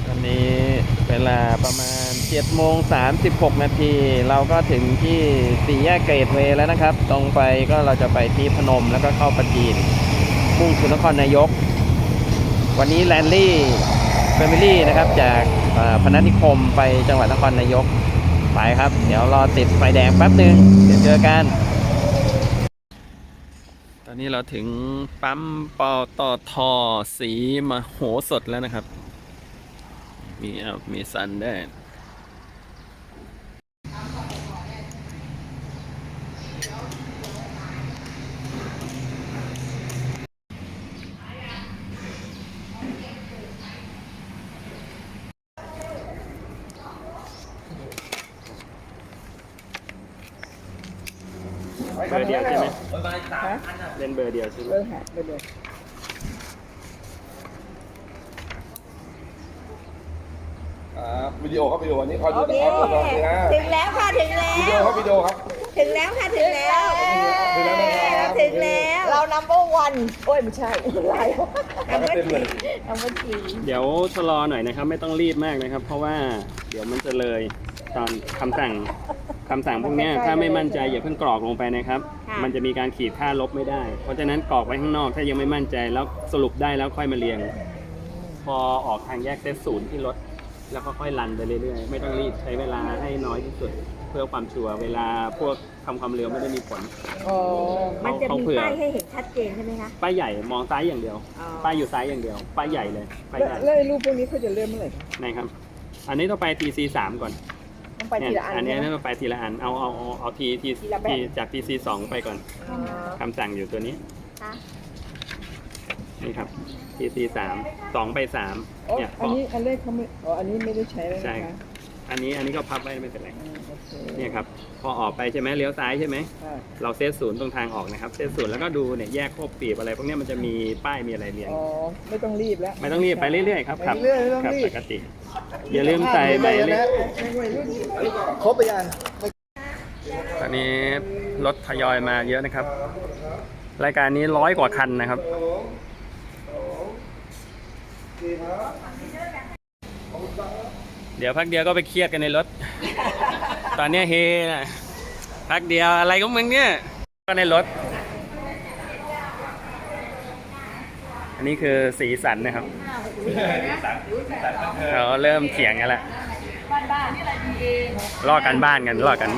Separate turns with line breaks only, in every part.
ตอนนี้เวลาประมาณ7:36เราก็ถึงที่สี่แยกเกรดเวย์แล้วนะครับตรงไปก็เราจะไปที่พนมแล้วก็เข้าปราจีนมุ่งสู่นครนายกวันนี้แลนลี่แฟมิลี่นะครับจากพนัสนิคมไปจังหวัดนครนายกไปครับเดี๋ยวรอติดไฟแดงแป๊บนึงเดี๋ยวเจอกันตอนนี้เราถึงปั๊มปตท.ศรีมโหสถแล้วนะครับมีซันได้เบอร์เดียวใช่ไหมเล่นเบอร์เดียวใช่ไหม
เบอร์เดียว
วิดีโอครับวิดีโออันนี้คอยดู
โอเค
นะครับ
ถึงแล้วค่ะถึงแล้ว
วิดีโอครับวิดีโอครับ
ถึงแล้วค่ะถึงแล้ว
ถึงแล้วนะครับ
ถึงแล้วเรา number one โอ้ยไม่ใช่อะไร number
เต็มเลย
number three
เดี๋ยวชะลอหน่อยนะครับไม่ต้องรีบมากนะครับเพราะว่าเดี๋ยวมันจะเลยตอนคำสั่งพวกนี้ถ้าไม่มั่นใจอย่าเพิ่งกรอกลงไปนะครับมันจะมีการขีดค่าลบไม่ได้เพราะฉะนั้นกรอกไว้ข้างนอกถ้ายังไม่มั่นใจแล้วสรุปได้แล้วค่อยมาเรียงพอออกทางแยกเซตศูนย์ที่รถแล้วก็ค่อยรันไปเรื่อยๆไม่ต้องรีบใช้เวลาให้น้อยที่สุดเพื่อความชัวร์เวลาพวกทำความเร็วไม่ได้มีผล
มันจะมี
เผื่อ
ป้ายให้เห็นชัดเจนใช่ไหมคะ
ป้ายใหญ่มองซ้ายอย่างเดียว
อ๋อ
ป้ายอยู่ซ้ายอย่างเดียวป้ายใหญ่เลยป้ายใหญ่
แล้วไอ้รูปพวกนี้เขาจะเลื่อนเมื่อไหร่
ไหนครับอันนี้ต้องไป TC 3ก่อน
ต้องไปทีละอัน
อันนี้
ใช่ไหม
ต้องไปทีละอันเอาที
ละแบบ
จาก TC 2ไปก่อนคำสั่งอยู่ตัวนี้
ค่ะ
นี่ครับ TC 2ไป3
อ๋อ
เนี่ย
อันนี้อันแรกเขาไม่อ๋ออันนี้ไม่ได้ใช้แล้ว
ใช่
นะคะ
อันนี้ก็พับไว้ไม่เป็นไร
โอเค
เนี่ยครับพอออกไปใช่ไหมเลี้ยวซ้ายใช่ไหม
ค่ะ
เราเซตศูนย์ตรงทางออกนะครับเซตศูนย์แล้วก็ดูเนี่ยแยกโคบปีบอะไรพวกนี้มันจะมีป้ายมีอะไรเรียง
อ๋อไม่ต้องรีบแล้ว
ไม่ต้องรีบไปเรื่อยๆครับ
ไปเรื่อยๆไม่ต้อง
ขับ
รีบ
ปกติ อย่าลืมใส่ใบเล็ก
ครบไปยัง
ตอนนี้รถทยอยมาเยอะนะครับ รายการนี้100 กว่าคันนะครับเดี๋ยวพักเดียวก็ไปเครียดกันในรถ ตอนนี้เฮนะพักเดียวอะไรของมึงเนี่ยก็ในรถ อันนี้คือสีสันนะครับเราเริ่มเถียงกันแล้วลอกกันบ้านกัน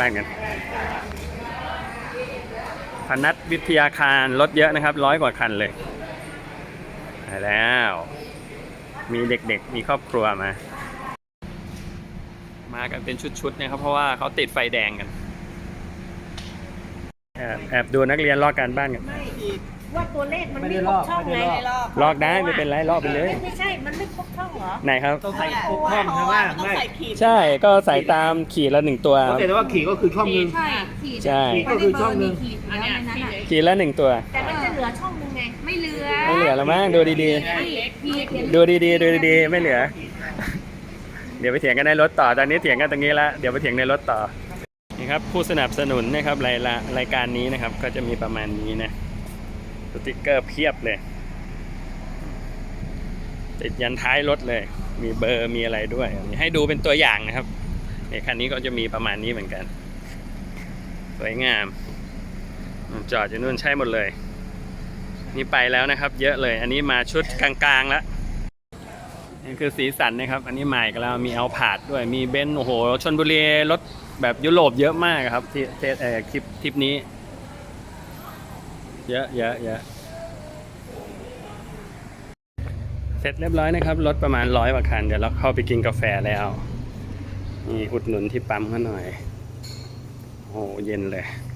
พนัสวิทยาคารรถเยอะนะครับ100 กว่าคันเลยแล้วมีเด็กๆมีครอบครัวมากันเป็นชุดๆนะครับเพราะว่าเขาติดไฟแดงกันแอบดูนักเรียนลอกการบ้านกัน
ว่าตัวเลขมันไม่ครบช่องไง
ลอกได้ไม่เป็นไรลอกไปเลย
ไม่ใช่มันไม่ครบช่องเหรอ
ไหนครับ
ต้องใส่ครบช่องใช่ไหมไม่
ใช่ก็ใส่ตามขีดละ1 ตัวครับ
แต่ว่าขี่ก็คือช่องหนึง
ใช่ขีด
ใช่
ก็คือช่องหนึ่ง
ขีดแล้วในนั้นอ่ะ
ขีดละ1 ตัว
แต่มันจะเหลือช่องนึงไงไม่เหลือ
ไม่เหลือแล้วมั้งดูดี
ขีด
ๆดูดีๆไม่เหลือ เดี๋ยวไปเถียงกันในรถต่อตอนนี้เถียงกันตรงนี้แล้วเดี๋ยวไปเถียงในรถต่อนี่ครับผู้สนับสนุนนะครับรายการนี้นะครับก็จะมีประมาณนี้นะสติ๊กเกอร์เพียบเลยติดยันท้ายรถเลยมีเบอร์มีอะไรด้วยให้ดูเป็นตัวอย่างนะครับในคันนี้ก็จะมีประมาณนี้เหมือนกันสวยงามจอดอยู่นู่นใช่หมดเลยนี่ไปแล้วนะครับเยอะเลยอันนี้มาชุดกลางๆแล้วนี่คือสีสันนะครับอันนี้ใหม่กันแล้วมีเอาผาดด้วยมีเบนซ์โอ้โหชลบุรีรถแบบยุโรปเยอะมากครับที่คลิปนี้เยอะเสร็จเรียบร้อยนะครับรถประมาณ100 กว่าคันเดี๋ยวเราเข้าไปกินกาแฟแล้วนี่อุดหนุนที่ปั๊มเขาหน่อยโอ้โหเย็นเลย